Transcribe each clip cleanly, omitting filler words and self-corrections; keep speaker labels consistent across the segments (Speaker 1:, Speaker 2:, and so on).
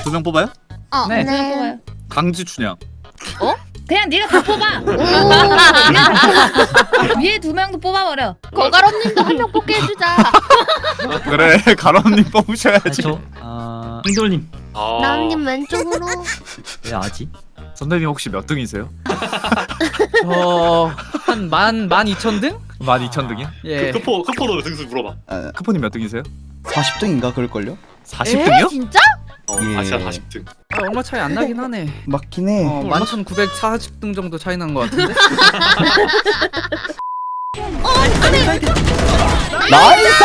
Speaker 1: 두 명 뽑아요?
Speaker 2: 네.
Speaker 3: 네. 뽑아요.
Speaker 1: 강지 춘향.
Speaker 2: 그냥 네가 다 뽑아. 위에 두 명도 뽑아버려.
Speaker 3: 거가로님도 한 명 뽑게 해주자.
Speaker 1: 그래 가람님 뽑으셔야지.
Speaker 4: 행돌님
Speaker 3: 나은님 왼쪽으로.
Speaker 4: 왜 아지?
Speaker 1: 선배님 혹시 몇 등이세요?
Speaker 5: 저한 12,000등?
Speaker 1: 12,000등이요?
Speaker 5: 예.
Speaker 6: 크포도 등수 물어봐.
Speaker 1: 크포님 몇 등이세요?
Speaker 7: 40등인가 그럴걸요?
Speaker 1: 40등이요?
Speaker 3: 진짜?
Speaker 7: 예.
Speaker 6: 아시아 40등.
Speaker 5: 얼마 차이 안 나긴 하네.
Speaker 7: 맞긴 해.
Speaker 5: 11,940등 정도 차이 난 것 같은데?
Speaker 7: 나이스!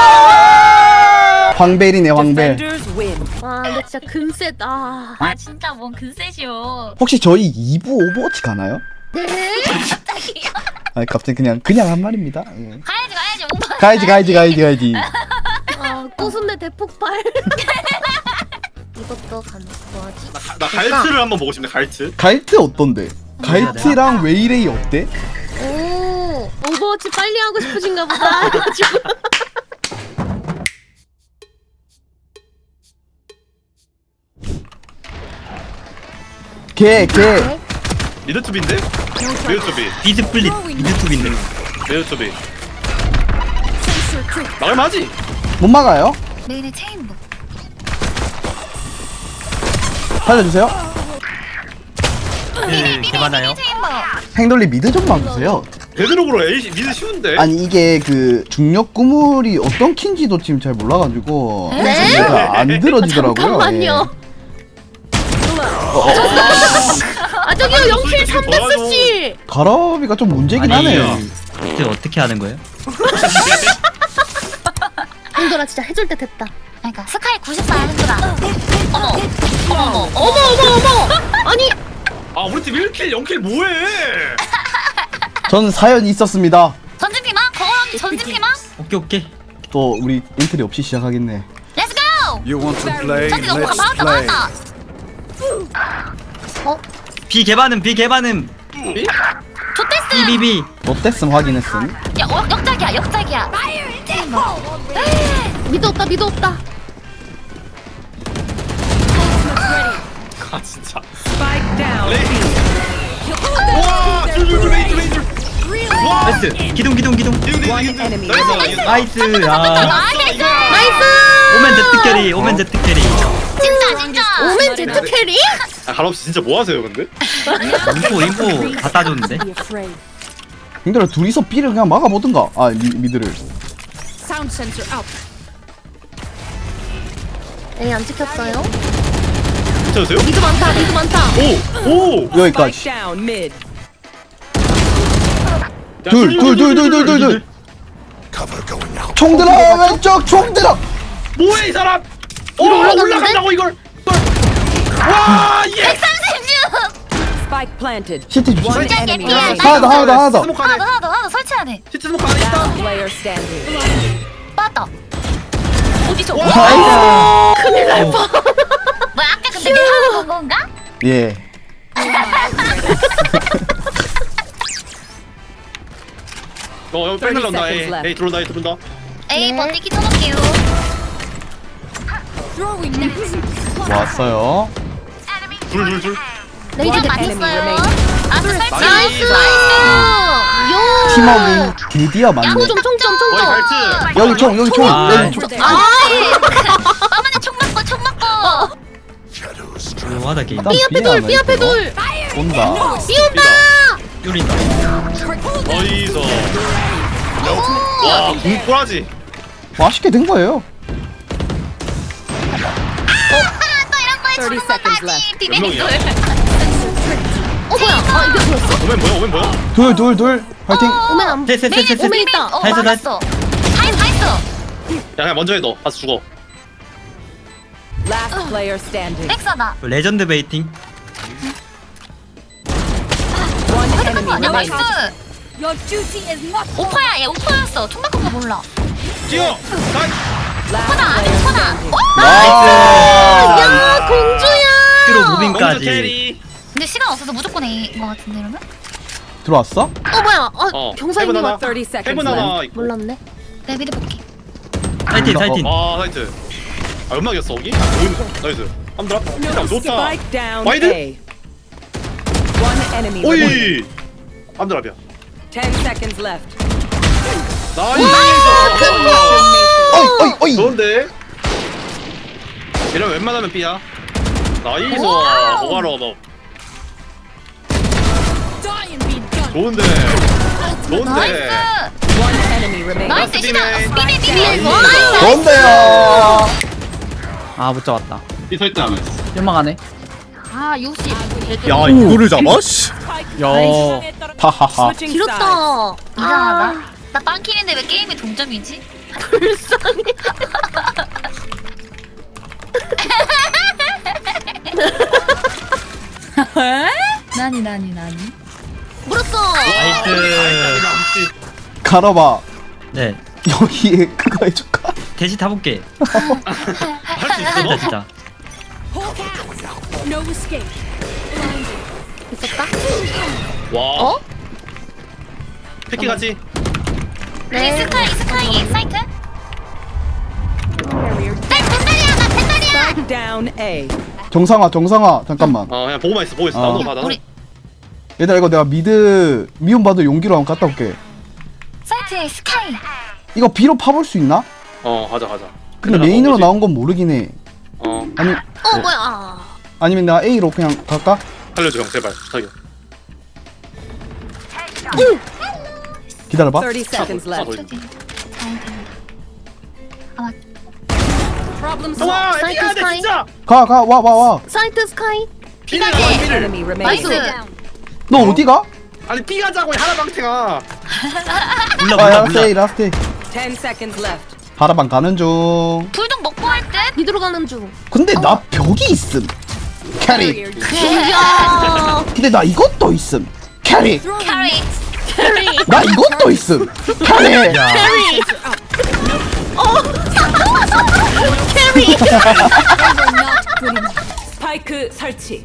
Speaker 7: 황벨이네 황벨.
Speaker 3: 와 근데 진짜 금세다.
Speaker 8: 아 진짜 뭔 근셋이요.
Speaker 7: 혹시 저희 2부 오버워치 가나요?
Speaker 3: 네?
Speaker 8: 갑자기요?
Speaker 7: 아니 갑자기 그냥 한 말입니다. 예.
Speaker 8: 가야지 오빠.
Speaker 7: 가야지.
Speaker 3: 아 꼬순내 대폭발. 이것도 가는 뭐하지?
Speaker 6: 나 갈트를 한번 보고 싶네. 갈트.
Speaker 7: 갈트 어떤데? 갈트랑 웨이레이 어때?
Speaker 3: 오 오버워치 빨리 하고 싶으신가 보다. 지금.
Speaker 7: 걔
Speaker 6: 미드투비인데? 미드투비.
Speaker 4: 비스플릿 미드투비인데.
Speaker 6: 미드투비. 나갈만하지?
Speaker 7: 못 막아요?
Speaker 8: 메인의 체인부.
Speaker 7: 살려주세요.
Speaker 4: 개 많아요.
Speaker 8: 체인부.
Speaker 7: 행돌리 미드 좀 막으세요.
Speaker 6: 베드록으로 A 미드 쉬운데?
Speaker 7: 아니 이게 그 중력 구물이 어떤 킨지도 지금 잘 몰라가지고
Speaker 3: 네?
Speaker 7: 제가 안 들어지더라고요.
Speaker 3: 잠깐만요. 아 저기요 0킬 3데스 씨.
Speaker 7: 가라비가 좀 문제긴 하네요.
Speaker 4: 이제 어떻게 하는 거예요?
Speaker 3: 형돌아 진짜 해줄 때 됐다.
Speaker 8: 그러니까 스카이 94야 힘들어. 어머.
Speaker 3: 아니
Speaker 6: 아 우리 팀 1킬 0킬 뭐해?
Speaker 7: 전 사연이 있었습니다.
Speaker 8: 전진피망? 거울언니 전진피망?
Speaker 4: 오케이.
Speaker 7: 또 우리 인트리 없이 시작하겠네.
Speaker 8: 렛츠 고!
Speaker 1: You want to play?
Speaker 8: 전진 오빠가 막았다.
Speaker 4: B 개반음.
Speaker 8: 좋댔음.
Speaker 4: BBB.
Speaker 7: 롯데슨 확인했음.
Speaker 8: 야 역작이야.
Speaker 3: 미드 없다.
Speaker 6: 아 진짜. 와 줄줄줄 레이줄. 와
Speaker 4: 나이스. 기둥.
Speaker 6: 나이스.
Speaker 4: 나이스.
Speaker 8: 나이스.
Speaker 4: 오멘 제트 캐리.
Speaker 8: 진짜.
Speaker 3: 오멘 제트 캐리?
Speaker 6: 아 가람씨 진짜 뭐 하세요 근데?
Speaker 4: 인포 다 따줬는데.
Speaker 7: 형들아 둘이서 B를 그냥 막아보든가. 아 미드를.
Speaker 3: 에이 안 찍혔어요?
Speaker 6: 괜찮으세요?
Speaker 3: 미드 많다.
Speaker 6: 오.
Speaker 7: 여기까지.
Speaker 6: 야,
Speaker 7: 둘. 총 들어 왼쪽 총 들어.
Speaker 6: 뭐해 이 사람? 올라간다고 이걸. 와 예.
Speaker 8: 136.
Speaker 9: Spike planted.
Speaker 7: 시티 주시.
Speaker 8: 진짜 개피야.
Speaker 7: 하나 더.
Speaker 6: 스모크 안에.
Speaker 8: 하나 더 설치해야 돼.
Speaker 6: 시트 스모크 안에 있다.
Speaker 9: Player standing.
Speaker 8: 빠졌다. 어디서?
Speaker 7: 나이스.
Speaker 3: 큰일 날 뻔.
Speaker 8: 뭐야 아까 근데 내가 하는 건가?
Speaker 7: 예.
Speaker 6: 형 백날 나온다.
Speaker 9: 30 seconds
Speaker 6: 에이 들어온다.
Speaker 8: 에이
Speaker 3: 네.
Speaker 8: 버티기 쳐놓을게요.
Speaker 7: 왔어요.
Speaker 6: 둘.
Speaker 3: 레이저
Speaker 8: 그냥
Speaker 3: 대피.
Speaker 8: 맞췄어요. 아주 설치.
Speaker 3: 나이스. 요.
Speaker 7: 팀워크 드디어 맞네.
Speaker 6: 어이
Speaker 3: 총.
Speaker 6: 갈트.
Speaker 7: 여기 총.
Speaker 3: 아,
Speaker 8: 어머니 총 맞고.
Speaker 4: 조용하다 게임.
Speaker 7: 일단
Speaker 3: B 앞에 둘.
Speaker 7: 온다.
Speaker 4: 뚫린다.
Speaker 6: 어이서. 와 공포라지.
Speaker 7: 맛있게 된 거예요.
Speaker 8: 또 이런 거에
Speaker 9: 30
Speaker 8: 주는
Speaker 9: seconds
Speaker 8: 거지.
Speaker 9: left.
Speaker 8: 비밀돌.
Speaker 3: 뭐야? 아 이게 뭐였어?
Speaker 6: 오멘 뭐야?
Speaker 7: 둘. 파이팅.
Speaker 3: 오멘 안.
Speaker 4: 셋.
Speaker 3: 오멘 있다.
Speaker 8: 다
Speaker 4: 했어.
Speaker 8: 했어.
Speaker 6: 야 그냥 먼저 해 너. 가서 죽어.
Speaker 9: Last player standing.
Speaker 8: 백사다.
Speaker 4: 레전드 베이팅.
Speaker 9: One
Speaker 8: 헤드폰
Speaker 9: enemy
Speaker 8: 아니야? 나이스.
Speaker 9: remaining.
Speaker 8: 오파야 얘 오파였어. 총 맞은 거 몰라.
Speaker 6: 뛰어.
Speaker 9: Last
Speaker 8: 하나 안에
Speaker 9: player
Speaker 8: 하나.
Speaker 9: standing.
Speaker 3: 야 공주야.
Speaker 4: 큐로
Speaker 6: 공주
Speaker 4: 무빙까지.
Speaker 6: 캐리.
Speaker 8: 근데 시간 없어서 무조건 A인 거 같은데 이러면?
Speaker 7: 들어왔어?
Speaker 3: 뭐야?
Speaker 6: 해븐
Speaker 3: 경사님이
Speaker 6: 하나.
Speaker 3: 왔다.
Speaker 9: 30 seconds
Speaker 6: 해븐
Speaker 9: left.
Speaker 6: 하나 있고.
Speaker 3: 몰랐네.
Speaker 8: 내 미드 볼게.
Speaker 4: 사이팅.
Speaker 6: 아 사이트. 아 연막이었어 거기? 나이스. 한번 들어. 일단 좋다.
Speaker 9: Spike down
Speaker 6: Why
Speaker 9: A. One enemy. remaining.
Speaker 6: 오이. 한번 들어봐.
Speaker 9: 10 seconds left.
Speaker 6: 나이스.
Speaker 7: 어이 어이.
Speaker 6: 좋은데. 이러면 웬만하면 B야. 나이스. 오바로 너. 좋은데. 좋은데.
Speaker 8: 나이스.
Speaker 9: One enemy remaining.
Speaker 8: 나이스
Speaker 6: 라스트
Speaker 8: 시작.
Speaker 6: 비메인.
Speaker 8: 비비.
Speaker 7: 좋은데요.
Speaker 5: 아 못 잡았다.
Speaker 6: B 서 있다.
Speaker 5: 실망하네.
Speaker 8: 아 60.
Speaker 1: 야 이거를 잡아? 씨.
Speaker 5: 야.
Speaker 7: 하하하.
Speaker 9: Switching sides.
Speaker 3: 길었다.
Speaker 8: 이상하다. 나 빵킬인데 왜 게임이 동점이지?
Speaker 2: 나니.
Speaker 3: 물었어.
Speaker 4: 나이스.
Speaker 7: 가라봐.
Speaker 4: 네.
Speaker 7: 여기에 그거 해줄까?
Speaker 4: 대시 타볼게.
Speaker 6: 할수 있어 너?
Speaker 4: 진짜 진짜.
Speaker 9: No escape.
Speaker 3: 있었다.
Speaker 6: 와. 패키 같이.
Speaker 8: 네. 스카이 사이트. 펜달이야 나 펜달이야.
Speaker 9: Spike down A.
Speaker 7: 정상아 잠깐만.
Speaker 6: 그냥 보고만 있어. 보고 있어. 나오는 거 봐. 나오는
Speaker 8: 우리
Speaker 7: 얘들아 이거 내가 미드 미움 받을 용기로 한번 갔다 올게.
Speaker 8: 사이트에 스카이.
Speaker 7: 이거 B로 파볼 수 있나?
Speaker 6: 가자.
Speaker 7: 근데 메인으로 나온 건 모르긴 해. 아니
Speaker 3: 뭐야.
Speaker 7: 아니면 내가 A로 그냥 갈까?
Speaker 6: 살려줘 형 제발. 자기.
Speaker 7: 기다려봐.
Speaker 9: 30 seconds left. Problem solved.
Speaker 6: 와,
Speaker 3: 사이트
Speaker 6: B가 돼
Speaker 3: 스카이.
Speaker 6: 진짜.
Speaker 7: 와.
Speaker 3: 사이트 스카이.
Speaker 6: B를 가자 B를.
Speaker 9: Enemy remaining.
Speaker 3: 나이스.
Speaker 7: 너 어디가?
Speaker 6: 아니 B 가자고 하나방태가.
Speaker 4: 몰라.
Speaker 7: 라스트.
Speaker 9: 10 seconds left.
Speaker 7: 바라방 가는 중.
Speaker 8: 불독 먹고 할 듯.
Speaker 3: 미드로 가는 중.
Speaker 7: 근데 나 벽이 있음. 캐리.
Speaker 3: 야.
Speaker 7: 근데 나 이것도 있음. 캐리.
Speaker 8: 캐리.
Speaker 7: 나 이것도 있음. 캐리.
Speaker 9: 스파이크 설치.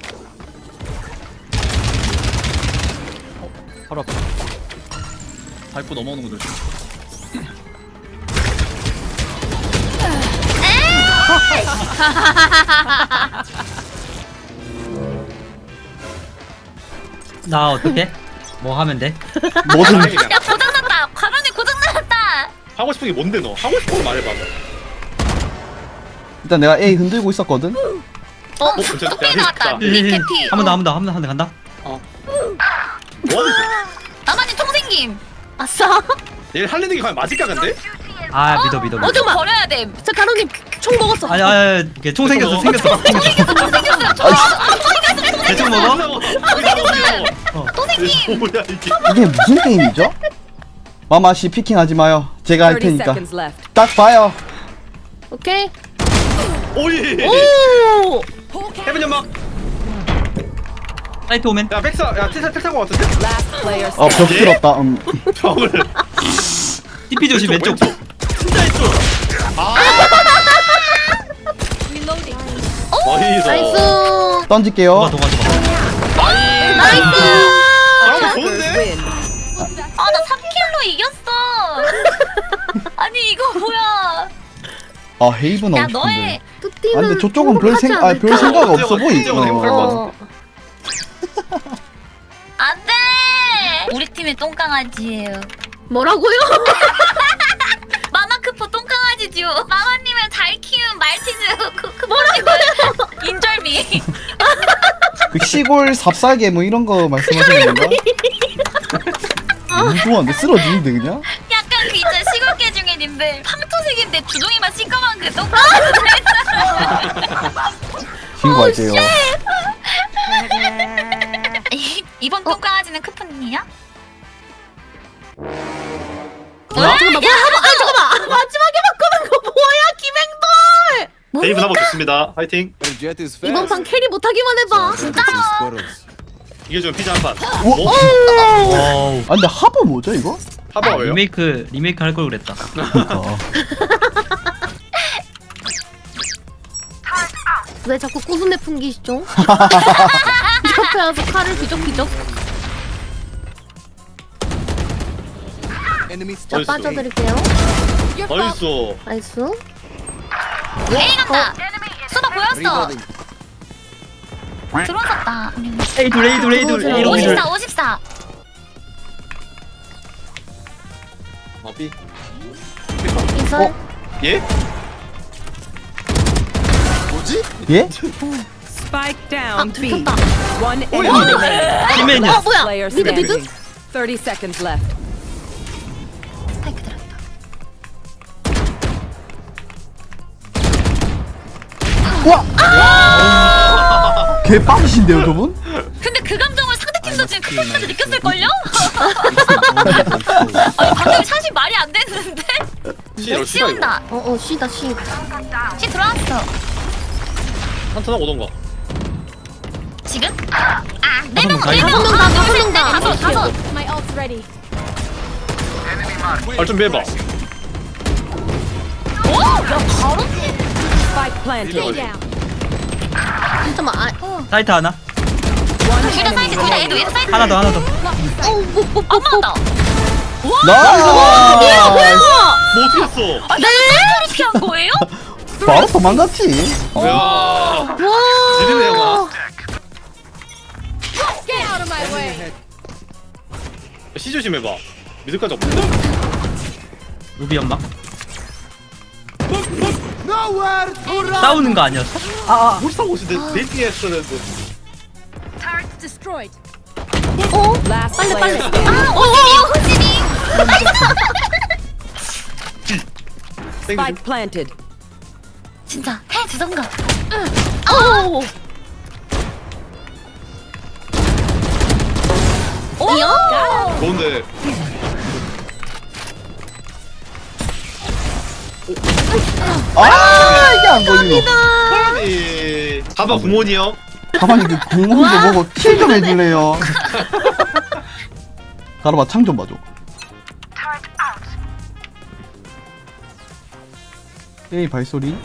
Speaker 1: 바로 앞에. 밟고 넘어오는 거 조심.
Speaker 4: 나 어떻게? 뭐 하면 돼?
Speaker 7: 뭐든
Speaker 8: 야 고장났다. 화면이 고장났다.
Speaker 6: 하고 싶은 게 뭔데 너? 하고 싶은 거 말해봐.
Speaker 7: 일단 내가 A 흔들고 있었거든.
Speaker 6: 진짜
Speaker 8: 피 나왔다.
Speaker 6: 야,
Speaker 8: 밑에 피.
Speaker 4: 한 번 더 간다.
Speaker 6: 뭐 하는 거야?
Speaker 8: 나만이 통생김.
Speaker 3: 아싸.
Speaker 6: 얘 할리는 게 과연 맞을까 근데?
Speaker 4: 아 믿어.
Speaker 8: 좀 버려야 돼.
Speaker 3: 자 가로님 총 먹었어.
Speaker 4: 아니 이게 총 생겼어. 대충 먹어.
Speaker 8: 또 생김.
Speaker 6: 뭐야 이게?
Speaker 7: 이게 무슨 게임이죠? 마마씨 피킹하지 마요. 제가 할
Speaker 9: 30
Speaker 7: 테니까.
Speaker 9: seconds left.
Speaker 7: 딱 봐요.
Speaker 3: 오케이.
Speaker 6: 오이.
Speaker 3: 오.
Speaker 6: 해븐 연막.
Speaker 4: 사이트 오멘.
Speaker 6: 야 백사. 야 택산 거 같은데?
Speaker 9: Last player
Speaker 7: 벽
Speaker 6: 예?
Speaker 7: 들었다.
Speaker 6: 벽을.
Speaker 4: TP 조심 왼쪽.
Speaker 6: 진짜 왼쪽. 나이스.
Speaker 3: 나이스.
Speaker 7: 던질게요.
Speaker 4: 도가.
Speaker 3: 나이스.
Speaker 6: 아 좋은데?
Speaker 9: win.
Speaker 8: 아 나 3킬로 이겼어. 아니 이거 뭐야?
Speaker 7: 아 헤이븐
Speaker 8: 야
Speaker 7: 하고
Speaker 8: 너의
Speaker 7: 싶은데.
Speaker 3: 뚜띠는
Speaker 7: 아 근데 저쪽은 별
Speaker 3: 행복하지
Speaker 7: 생각
Speaker 3: 않을까?
Speaker 7: 없어 보이.
Speaker 3: 어.
Speaker 8: 안돼. 우리 팀의 똥강아지예요.
Speaker 3: 뭐라고요?
Speaker 8: 마마크포 똥강아지죠. 마마님을 잘 키운 말티즈 뭐라고요? 인절미.
Speaker 7: 그 시골 삽살개 뭐 이런 거 말씀하시는 건가? 너무 좋아한데 쓰러지는데 그냥?
Speaker 8: 약간 그 있잖아 시골개 중에 님들 황토색인데 주둥이만 시꺼먼 그 똥강아지.
Speaker 7: 신고할게요.
Speaker 8: 이번 똥강아지는 크프님이야?
Speaker 3: 잠깐만 잠깐만 마지막에 바꾸는 거 뭐야 김행돌.
Speaker 6: 데이브 나보 좋습니다. 화이팅.
Speaker 3: 이번 판 캐리 못하기만 해봐.
Speaker 8: 진짜요?
Speaker 6: 이게 좀 피자 한 판.
Speaker 4: 와우.
Speaker 7: 아 근데 하버 뭐죠 이거?
Speaker 6: 하버 왜요?
Speaker 4: 리메이크 할 걸 그랬다.
Speaker 3: 왜 자꾸 꾸순내 풍기시죠? 옆에 와서 칼을 비적비적. 자
Speaker 6: 나이스.
Speaker 3: 빠져드릴게요.
Speaker 6: 나이스.
Speaker 3: 나이스.
Speaker 8: A 간다. 수바 보여? 보였어. 들어왔다.
Speaker 4: 에이돌 에이돌 에이돌 에이돌
Speaker 8: 54, 54.
Speaker 6: 비.
Speaker 3: 이설.
Speaker 6: 예?
Speaker 7: 예?
Speaker 9: Spike down B.
Speaker 3: 들켰다.
Speaker 9: One
Speaker 6: 오,
Speaker 9: enemy
Speaker 6: 야.
Speaker 9: remaining.
Speaker 4: 팀맨이야.
Speaker 3: 뭐야?
Speaker 9: Player
Speaker 3: 미드 미드?
Speaker 9: standing. 30 seconds left.
Speaker 8: 스파이크 들어갔다.
Speaker 7: 개빵이신데요 저분?
Speaker 8: 근데 그 감정을 상대팀도 지금 크로스까지 느꼈을걸요? 아니 방금 샷이 말이 안 됐는데?
Speaker 6: 씨,
Speaker 8: 씌운다.
Speaker 3: 쉬다 쉬.
Speaker 8: 씨 들어왔어.
Speaker 6: 한턴 하고 오던가.
Speaker 8: 지금? 아, 4명,
Speaker 4: 다섯
Speaker 8: 4명.
Speaker 3: 명 다, 다섯 명 다.
Speaker 8: 다섯.
Speaker 6: 발 준비해봐.
Speaker 8: 오! 야, 바로?
Speaker 9: Spike planted.
Speaker 3: 잠깐만.
Speaker 4: 사이트 하나.
Speaker 8: 둘다 사이드, 둘다 애도 얘도 사이드.
Speaker 4: 하나 더 하나 더.
Speaker 8: 안 맞다.
Speaker 7: 나이스!
Speaker 6: 뭐 어떻게 했어?
Speaker 8: 네? 이렇게 한 거예요?
Speaker 7: 바로 도망갔지.
Speaker 6: 야. 지리네 영화. 시 조심해봐. 미드까지 없는데?
Speaker 4: 루비 연막. 싸우는 거 아니었어?
Speaker 6: 뭘 사고 오시는데 데이팅 했었는데.
Speaker 9: Last
Speaker 3: 빨리 빨리.
Speaker 9: player
Speaker 8: 아, 호진이, 호진이.
Speaker 9: Spike planted.
Speaker 8: 진짜 해 주던가. 오!
Speaker 6: 좋은데.
Speaker 7: 아 이게 안 걸리노.
Speaker 6: 아니. 가봐 구몬이요.
Speaker 7: 가만히 그 공무도 보고 킬 좀 해줄래요. 가로봐 창 좀 봐줘. 에이 발소리.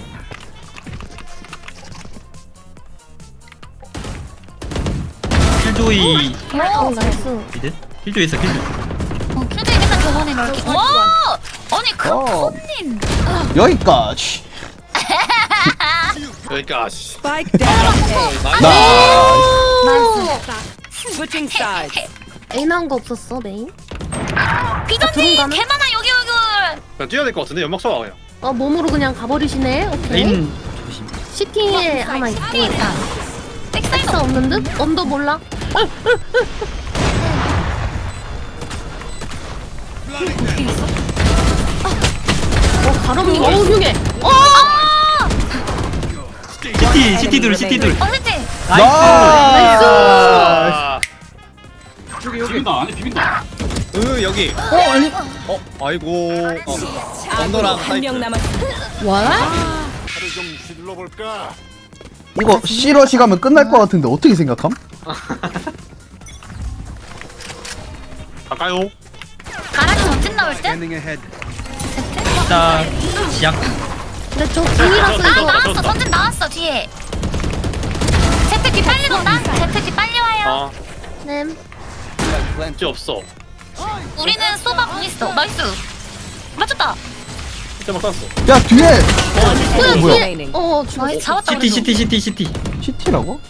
Speaker 4: 킬조이
Speaker 3: 나이스.
Speaker 4: 미드? 킬조이 있어 킬조이.
Speaker 8: 킬조이 맨날 저번에 이렇게. 와! 아니 크코님.
Speaker 7: 여기까지.
Speaker 6: 그러니까 씨.
Speaker 9: Spike down A.
Speaker 7: 나이스.
Speaker 9: Switching sides.
Speaker 3: A 나온 거 없었어 메인?
Speaker 8: 비전님
Speaker 3: 가는?
Speaker 8: 개 많아 여기.
Speaker 6: 그냥 뛰어야 될 것 같은데 연막 쏴 그냥.
Speaker 3: 몸으로 그냥 가버리시네. 오케이.
Speaker 4: 메인 조심.
Speaker 3: 시티에 하나 있고.
Speaker 8: 있다. 백사이드.
Speaker 3: 백사 없는 듯? 언더 몰라? 가롬님 흉해.
Speaker 4: CT 둘 CT 둘.
Speaker 8: 어쨌든
Speaker 7: 나이스.
Speaker 6: 여기.
Speaker 1: 아니. 아이고. 언더랑
Speaker 9: 한 명 남았습니다.
Speaker 7: 이거 C러시 가면 끝날 것 같은데 어떻게 생각함?
Speaker 6: 갈까요?
Speaker 8: 가락이 전진 나올 때?
Speaker 4: 자 시작.
Speaker 3: 근데 저 궁이라서
Speaker 8: 아
Speaker 3: 이거
Speaker 8: 나왔어. 전진 나왔어 뒤에. 제트기 빨리 온다. 제트기 빨리 와요.
Speaker 6: 아,
Speaker 3: 램.
Speaker 6: 문제 없어.
Speaker 8: 우리는 소바 공 있어. 나이스. 맞췄다.
Speaker 6: 진짜 막 쐈어.
Speaker 7: 야 뒤에
Speaker 3: 뭐야
Speaker 7: 뭐야?
Speaker 3: 뒤에. 죽었어.
Speaker 8: 나이스 잡았다.
Speaker 4: CT
Speaker 8: 그래도.
Speaker 4: CT CT CT.
Speaker 7: CT라고?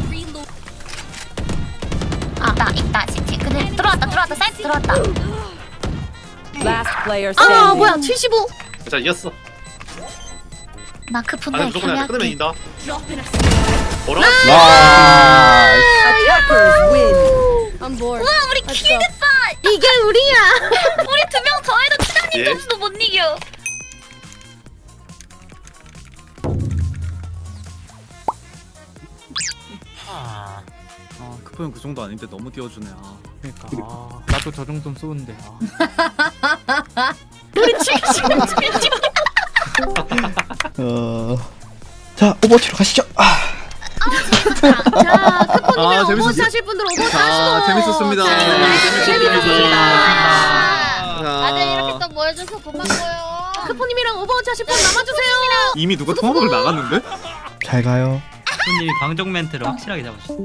Speaker 8: 있다 CT. 근데 들어왔다. 사이트 들어왔다.
Speaker 9: Last player standing.
Speaker 3: 아 뭐야 75.
Speaker 6: 자 이겼어.
Speaker 8: 마크 분대
Speaker 6: 아니 무조건 그냥 끊으면
Speaker 8: 계약해.
Speaker 6: 이긴다. 뭐라?
Speaker 7: 나이스.
Speaker 9: Attackers win.
Speaker 8: 우와 우리 킬됐다.
Speaker 3: 이게 우리야.
Speaker 8: 우리 2명 더해도 추장님
Speaker 6: 예?
Speaker 8: 점수도 못 이겨.
Speaker 1: 크포형 그 정도 아닌데 너무 띄워주네.
Speaker 5: 그러니까 나도 저 정도는 쏘는데.
Speaker 7: 자 오버워치로 가시죠.
Speaker 3: 자 크포님이랑
Speaker 1: 재밌었어.
Speaker 3: 오버워치 하실 분들 오버워치 하시고.
Speaker 1: 재밌었습니다.
Speaker 2: 다들 이렇게 또 모여줘서 고맙고요.
Speaker 3: 크포님이랑 오버워치 하실 분 남아주세요.
Speaker 1: 이미 누가 통화박을 나갔는데?
Speaker 7: 잘 가요.
Speaker 4: 손님이 방정 멘트를 확실하게 잡으셨어.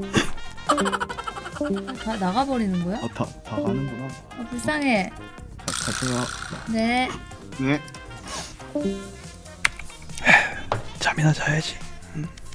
Speaker 2: 다 나가버리는 거야?
Speaker 7: 다 가는구나.
Speaker 2: 불쌍해.
Speaker 7: 가세요.
Speaker 2: 네.
Speaker 7: 네. 잠이나 자야지.